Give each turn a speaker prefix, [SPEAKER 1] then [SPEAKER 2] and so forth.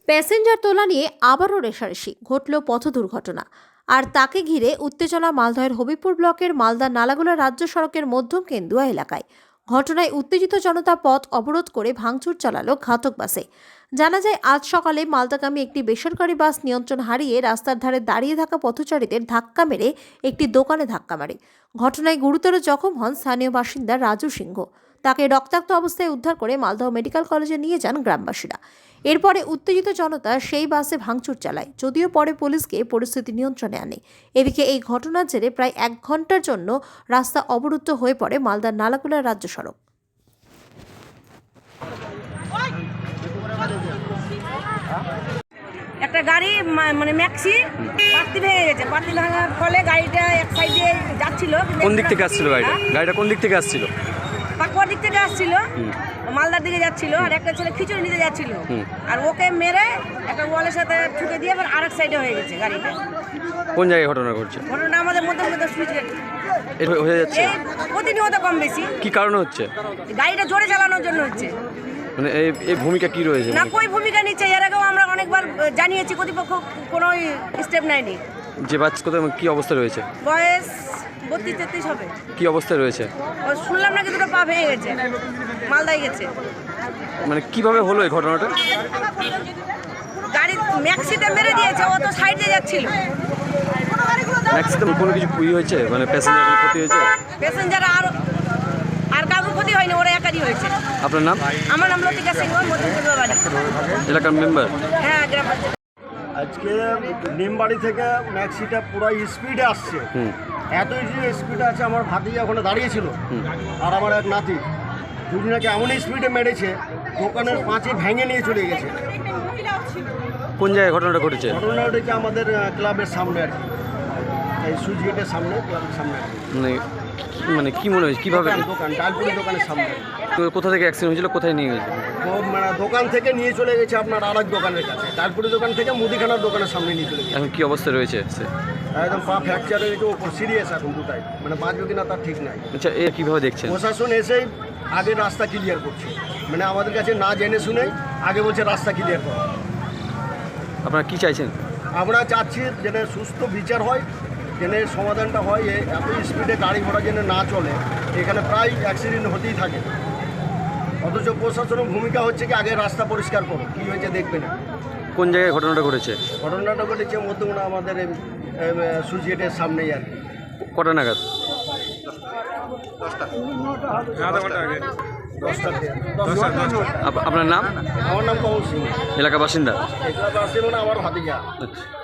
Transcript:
[SPEAKER 1] Passenger তোলা নিয়ে আবারও রেষারেষি ঘটল পথ দুর্ঘটনা। আর তাকে ঘিরে উত্তেজনা মালদহের হবিপুর ব্লকের মালদা নালাগোলা রাজ্য সড়কের মধ্যম কেন্দুয়া এলাকায়। ঘটনায় উত্তেজিত জনতা পথ অবরোধ করে ভাঙচুর চালালো ঘাতক বাসে। জানা যায়, আজ সকালে মালদাগামী একটি বেসরকারি বাস নিয়ন্ত্রণ হারিয়ে রাস্তার ধারে দাঁড়িয়ে থাকা পথচারীদের ধাক্কা মেরে একটি দোকানে ধাক্কা মারে। ঘটনায় গুরুতর জখম হন স্থানীয় বাসিন্দা রাজু সিংহ। তাকে রক্তাক্ত অবস্থায় উদ্ধার করে মালদহ মেডিকেল কলেজে নিয়ে যান গ্রামবাসীরা। এরপরে উত্তেজিত জনতা সেই বাসে ভাঙচুর চালায়, যদিও পরে পুলিশকে পরিস্থিতি নিয়ন্ত্রণে আনে। এদিকে এই ঘটনার জেরে প্রায় 1 ঘন্টার জন্য রাস্তা অবরুদ্ধ হয়ে পড়ে মালদার নালাগোলা রাজ্য সড়ক।
[SPEAKER 2] একটা গাড়ি মানে ম্যাক্সি পাত্তি ভেঙে গেছে। পাত্তি ভাঙার ফলে গাড়িটা এক সাইডে যাচ্ছিল।
[SPEAKER 3] কোন দিক থেকে আসছিল গাড়িটা কোন দিক থেকে আসছিল?
[SPEAKER 2] পাকুয়ার দিক থেকে আসছিল, মালদার দিকে যাচ্ছিল। আর একটা ছেলে খিচুড়ি নিতে যাচ্ছিল, আর ওকে মেরে একটা ওয়ালের সাথে ঠুকে দিয়ে আবার আরেক সাইডে হয়ে গেছে গাড়িটা।
[SPEAKER 3] কোন জায়গায় ঘটনা ঘটছে?
[SPEAKER 2] ঘটনা আমাদের মধ্যে সুইচ গেট
[SPEAKER 3] হয়ে যাচ্ছে
[SPEAKER 2] প্রতিনিয়ত কম বেশি।
[SPEAKER 3] কি কারণে হচ্ছে?
[SPEAKER 2] গাড়িটা জোরে চালানোর জন্য হচ্ছে।
[SPEAKER 3] মানে এই ভূমিকা কি রয়েছে?
[SPEAKER 2] না, কই ভূমিকা নিচ্ছে। এর আগেও আমরা অনেকবার জানিয়েছি, কর্তৃপক্ষ কোনো স্টেপ নেয়নি।
[SPEAKER 3] যে বাচ্চা কোথায় কি অবস্থা রয়েছে?
[SPEAKER 2] বয়স 32-33 হবে।
[SPEAKER 3] কি অবস্থায় রয়েছে?
[SPEAKER 2] শুনলাম নাকি দুটো পা ভেঙে গেছে, মালদায় গেছে।
[SPEAKER 3] মানে কিভাবে হলো এই ঘটনাটা?
[SPEAKER 2] গাড়ি ম্যাক্সিতে মেরে দিয়েছে, ও তো সাইডে যাচ্ছিল।
[SPEAKER 3] ম্যাক্সিতে কোনো কিছু হয়েছে? মানে প্যাসেঞ্জার ক্ষতি হয়েছে?
[SPEAKER 2] প্যাসেঞ্জার আর কারোর ক্ষতি হয়নি, ওরা একারই হয়েছে।
[SPEAKER 3] আপনার নাম?
[SPEAKER 2] আমার নাম লতিকা সিংহ, মধ্যমপুর বাড়ি।
[SPEAKER 3] এলাকার মেম্বার?
[SPEAKER 2] হ্যাঁ, গ্রাম পঞ্চায়েত।
[SPEAKER 4] আজকে নিমবাড়ি থেকে ম্যাক্সিটা পুরো স্পিডে আসছে। এত স্পিডে আছে, আমার ভাতিজা ওখানে দাঁড়িয়েছিল আর আমার এক নাতি, দুজনাকে এমন স্পিডে মেরেছে দোকানের পাঁচে ভেঙে নিয়ে চলে গেছে।
[SPEAKER 3] কোন জায়গায় ঘটনাটা ঘটেছে?
[SPEAKER 4] ঘটনা ঘটেছে আমাদের ক্লাবের সামনে আর কি, এই সুইচ গেটের সামনে, ক্লাবের সামনে।
[SPEAKER 3] মানে কি মনে হয়েছে কিভাবে?
[SPEAKER 4] দোকান ডালপুরি দোকানের সামনে।
[SPEAKER 3] তো কোথা থেকে অ্যাক্সিডেন্ট হয়েছিল, কোথায় নিয়ে গেছে?
[SPEAKER 4] মানে দোকান থেকে নিয়ে চলে গেছে আপনার আরেক দোকানের কাছে, ডালপুরি দোকান থেকে মুদিখানার দোকানের সামনে নিয়ে চলে গেছে।
[SPEAKER 3] এখন কি অবস্থায় রয়েছে?
[SPEAKER 4] একদম পা ফ্র্যাকচার হয়ে গেছে, ওপর সিরিয়াস এখন দুটাই, মানে বাঁচবে কিনা তার ঠিক নাই।
[SPEAKER 3] আচ্ছা, এ কীভাবে দেখছেন?
[SPEAKER 4] প্রশাসন এসেই আগে রাস্তা ক্লিয়ার করছে, মানে আমাদের কাছে না জেনে শুনেই আগে বলছে রাস্তা ক্লিয়ার করা।
[SPEAKER 3] আপনারা কি চাইছেন?
[SPEAKER 4] আমরা চাচ্ছি যেন সুস্থ বিচার হয়, যেন সমাধানটা হয়। এত স্পিডে গাড়ি ঘোড়া যেন না চলে, এখানে প্রায় অ্যাক্সিডেন্ট হতেই থাকে। অথচ প্রশাসনের ভূমিকা হচ্ছে কি আগে রাস্তা পরিষ্কার করো, কী হয়েছে দেখবে না।
[SPEAKER 3] কোন জায়গায় ঘটনাটা ঘটেছে?
[SPEAKER 4] ঘটনাটা ঘটেছে মধ্যমা আমাদের সুইচ গেটের সামনেই আর কি।
[SPEAKER 3] কটা নাগাদ?
[SPEAKER 4] 10টা।
[SPEAKER 3] আপনার নাম?
[SPEAKER 4] আমার নাম কমল সিং।
[SPEAKER 3] এলাকা বাসিন্দা?
[SPEAKER 4] এগুলো আসছে মানে আমার ভাতিজা।
[SPEAKER 3] আচ্ছা।